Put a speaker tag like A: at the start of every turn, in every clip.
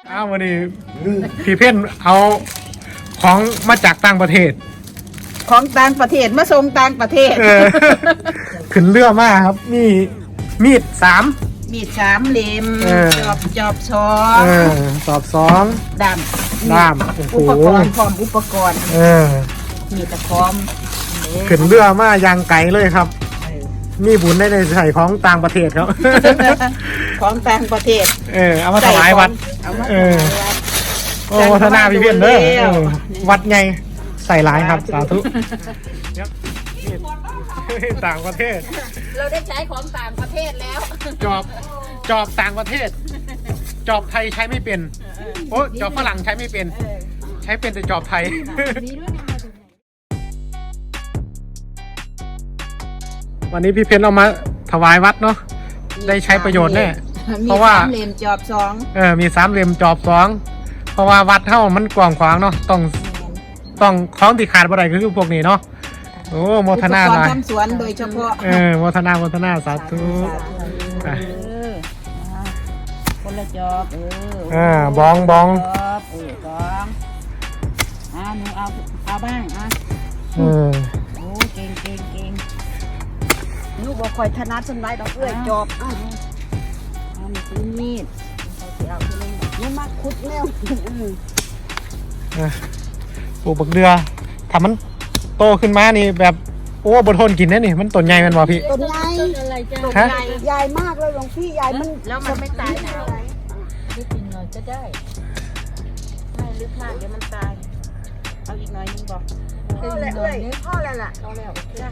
A: วันนี้พี่เพ่นเอาของมาจากต่างประเทศ
B: ของต่างประเทศมาส่งต่างประเทศ
A: ขึ้นเรือมากครับมีมีด3
B: เล่มจอบ
A: สอบ2
B: ด้ามอุปกรณ์พร้อมอุปกรณ์มีตะพร้อม
A: ขึ้นเรือมายางไกลเลยครับมีบุญได้ในใส่ของต่างประเทศครับ
B: ของต่างประเทศ
A: เอามาถวายวัดโอ้วัฒนาพี่เพี้ยนเด้อวัดไงใส่หลายครับสาธุต่างประเทศ
B: เราได้ใช้ของต่างประเทศแล้ว
A: จอบต่างประเทศจอบไทยใช้ไม่เป็นโอ้จอบฝรั่งใช้ไม่เป็นใช้เป็นแต่จอบไทยวันนี้พี่เพชรเอามาถวายวัดเนาะได้ใช้ประโยชน์แน่เพราะว่า
B: 3 เล่มจอบ2
A: มี3 เล่มจอบ2เพราะว่าวัดเท่ามันกว้างขวางเนาะต้องของที่ขาดบ่ได้ก็คือพวกนี้เนาะโอ้โมทนาหน่อย
B: ทำสวนโดยเฉพาะ
A: โมทนาสาธุ
B: คนละจอบ
A: บอง
B: หนูเอาบ้างโอ้เก่งลูกบอกคอยถนัดสนไว้ดอกจอบนี่คือมีดเอาไปเลยนี่มาคุดแล้ว
A: ปลูกบักเดือทำมันโตขึ้นมานี่แบบโอ้บนทนกินนะนี่มันต้นใหญ่มันวะพี่
B: ต้นใหญ่ใหญ่มากเลยหลวงพี่ใหญ่มันแล้วมันไม่ตายหนาวลึกหน่อยจะได้ไม่ลึกมากเดี๋ยวมันตายเอาอีกหน่อยนึงบอกพ่อแล้วล่ะพ่อแล้ว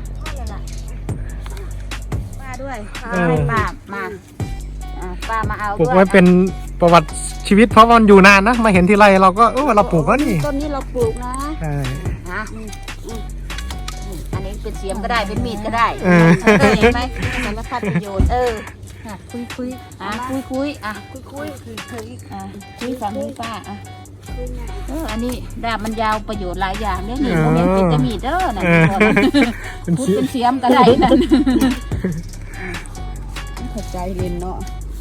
B: ป้าด้วยป้ามาเอา
A: ปลูกไว้เป็นประวัติชีวิตเพราะมันอยู่นานนะมาเห็นที่ไรเราก็เราปลูกแล้วนี่
B: ต้นนี้เราปลูกนะอันนี้เป็นเสียมก็ได้เป็นมีดก็ได้เห็นไหมสารพัดประโยชน์คุยฟังนี่ป้าอันนี้ดาบมันยาวประโยชน์หลายอย่างเนี่ยนี่โมเมนต์เป็นจะมีดนะพูดเป็นเสียมก็ได้นั่นเข้าใจเรียนเนาะ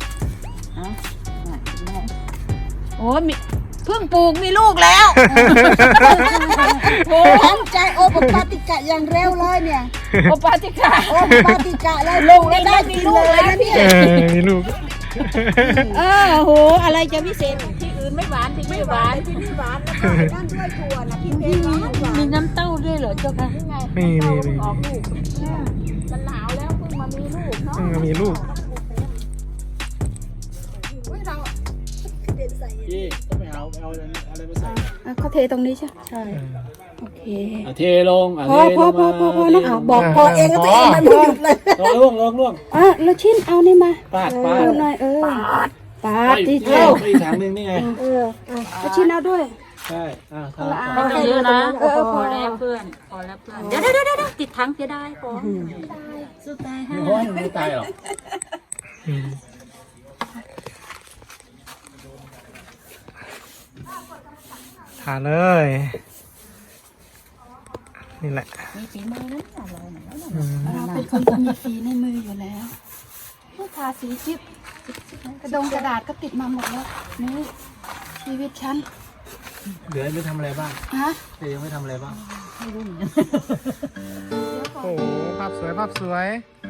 B: โอ้มีเพิ่งปลูกมีลูกแล้วตั้งใจโอปปาติกะอย่างเร็วเลยเนี่ยโอปปาติกะเลยลงได้มีลูกแล้วพี่
A: มีลูก
B: โหอะไรจะพิเศษที่อื่นไม่หวานที่นี่หวานนั่นด้วยถั่วนะพี่เพชรมีน้ำเต้าด้วยเหรอเจ้าค่ะ
A: มี
B: ออกลูกมันหนาวแล้วเพิ่งมามีลูกเนาะ
A: มีลูก
C: พี่ต้องไปเอาอะไรมาใส่
B: เขาเทตรงนี้ใช่โอเค
C: เทลง
B: พอนะบอกพอเองก็ตัวเองมันหยุดเลย
C: ล่วง
B: แล้วชิ้นเอานี่มา
C: ปาด
B: หน่อยปาดที่
C: เที่ยวอีกถังนึงนี่ไง
B: แล้วชิ้นเอาด้วย
C: ใช่
B: เอาเยอะนะพอแล้วเพื่อนเดี๋ยวติดถังจะได้พอสุดท้าย
C: ไม่ตายหรอก
A: ทานเลยนี่แหละ
B: มีฝีมือนะเราเป็นคนมีฝีในมืออยู่แล้วผู้ทาสีจิ๊บกระดาษก็ติดมาหมดแล้วนี่ชีวิตฉัน
C: เหลือไม่ทำอะไรบ้างยังไม่ทำอะไรบ้าง
B: ไม่รู้
A: โอ้ภาพสวย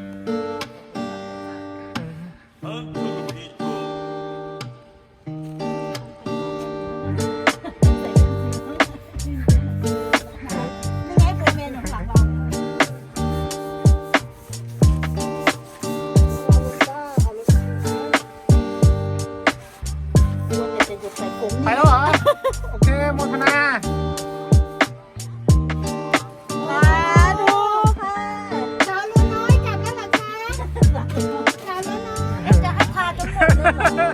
A: ไปแล้วเหรอโอเคโมทนา
B: ดูค่ะชาวลูน้อยจับแล้วเหรอคะชาวลูน้อยจะให้พาจนหมดเลย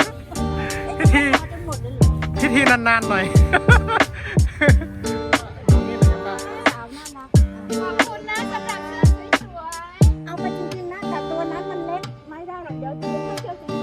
A: พิธีนานๆหน่อย
B: ขอบคุณนะสำหรับเสื้อสวยๆเอาไปจริงๆนะแต่ตัวนั้นมันเล็กไม่ได้หรอกเดี๋ยวจะให้เสื้อสวย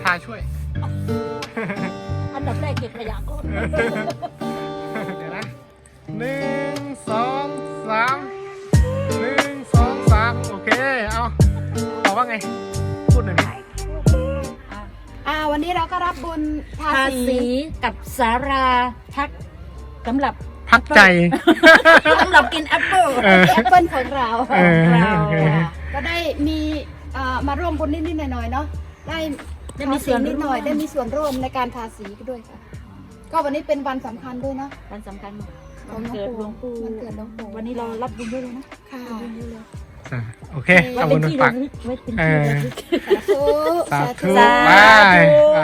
A: าช่วย
B: อันดับแรกเก็บขยะก่อน
A: เดี๋ยวนะ1 2 3 1 2 3โอเคเอาบอกว่าไงพูดหน่อยดิ
D: วันนี้เราก็รับบุญภา
B: ภา
D: ษี
B: ษีกับสาราพักสำหรับ
A: พักใจ
B: สำหรับกินแอปเปิ้ล
D: แอปเปิลของเรา
A: เออ
B: เรา
A: โอเค
D: ก็ได้มีมาร่วมบุญนิดๆหน่อยๆเนาะได้
B: ได้มีส่วน
D: นิดหน่อย
B: ร่วม
D: ได้มีส่วนร่วมในการทาสีด้วยค่ะ ก็วันนี้เป็นวันสำคัญด้วยเนาะ
B: วันสำคัญ
D: ขอ
B: วัน
D: ง
B: เกิดหลวงปู่
D: วันเกิดหลวงปู่
B: วันนี้เรารับบุญด้วยเลยนะ
D: ค่ะ
A: อ่ะโอเค
B: ไว้
A: เอา
B: เป็
A: บุ
B: น
A: ญ
B: ที่
A: ฝา
B: ระ
A: ก
B: ลึกไว้เป็น
A: เอ
B: ที่
A: อ
B: ระลึก
D: สาธุ
A: สาธุ
D: สาธุ
A: ไปอ่ะ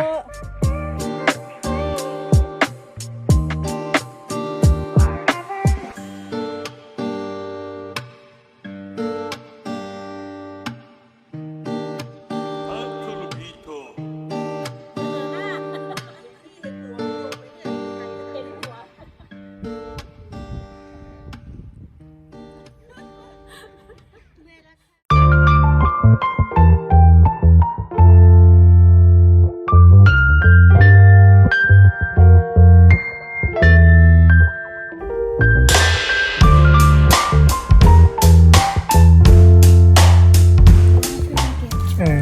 A: เออ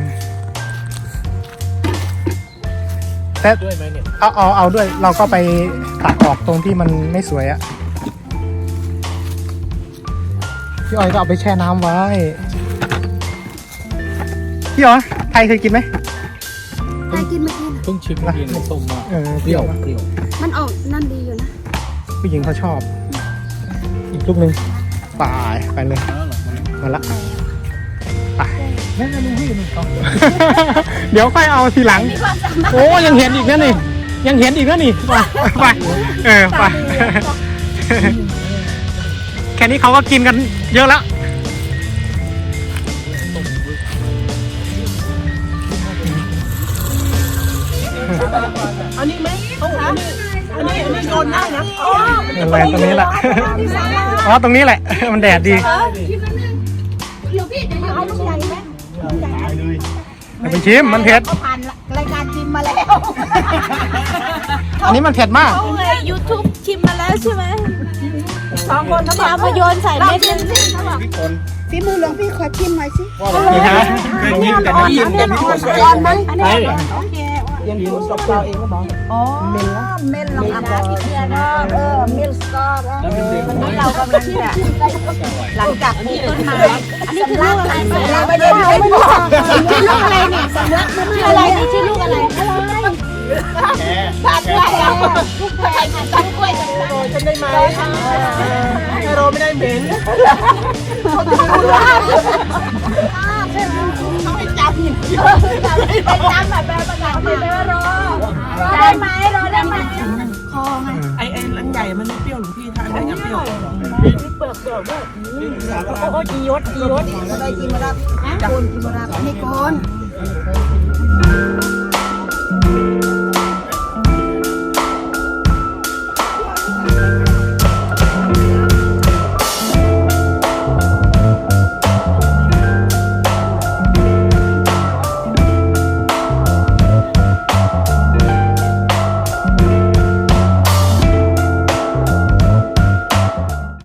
A: แต่
C: ด้วยไหมเนี่ย
A: เอาด้วย เราก็ไปตัดออกตรงที่มันไม่สวยอะพี่อ้อยก็เอาไปแช่น้ำไว้พี่อ๋อไทยเคยกินไหม
D: ใครกินเมื่อกี้น่ะ
C: เพิ่งชิมกินส้มมา
A: เออ
C: เปรี้ยวเปรี้ยว
D: มันออกนั่นดีอยู่นะ
A: ผู้หญิงเขาชอบ อีกลูกหนึ่งไปเลย
C: แล้วเหรอ
A: มาละไป
C: นั่นลุงพี่มันต้อง
A: เดี๋ยวค่อยเอาทีหลัง โอ้ยังเห็นอีกนะนี่ ยังเห็นอีกนะนี่ไปไป แค่นี้เขาก็กินกันเยอะแล้ว
B: อันนี้ไหมต้องหาอันนี้โดนได้นะอ๋อ
A: อะไรตรงนี้แหละ อ๋อตรงนี้แหละ มันแดดดี
D: เดี๋ยวพี่เดี๋ยวเอาลูกใหญ่ไหม
A: อย่าไปชิมมันเผ็ด
D: ผ่านรายการชิมมาแล้ว
A: อันนี้มันเผ็ดมาก
B: เขาไง YouTube ชิมมาแล้วใช่ไหม2 คนเขาบอกมาโยนใส่เม็ดนึง
D: ฝีมือหลวงพี่ขอชิมหน่อยสิ
A: นี่ฮะ
C: เคยกินแต่ไม่กินแต่พี่คน
D: ร้อนไหม
C: ใช่
D: โอเค
C: ยังอยู่กับเราเองก็มอง
D: อ๋อเมลลองอ่านพี่เดือนเมลสกอร์
C: แล้วเป็นเด็ก
D: วันนี้เรากำลังจะหลังจากปลูกต้นไม้อันนี้คือลูกอะไรเราไม่ได้บอกชื่อลูกอะไรเนี่ยสำลักมันชื่ออะไรนี่ชื่อลูกอะไรผักกล้วยลูกแพรผักกล้วยจังเลย
B: ฉันได้ไหมโรไม่ได้เหม็น
D: เขาไปจับหินไปจับแบบประกาศไปว่ารอได้ไหมรอได้ไหมคอไง
B: ไอ้อันใหญ่มันไม่เปรี้ยวหลวงพี่ทานได้ยังเปรี้ยวเปลือกด้วยโอ้ยยศ
D: ได้กินมาแล้วโกนกินมาแล้วนี่โกน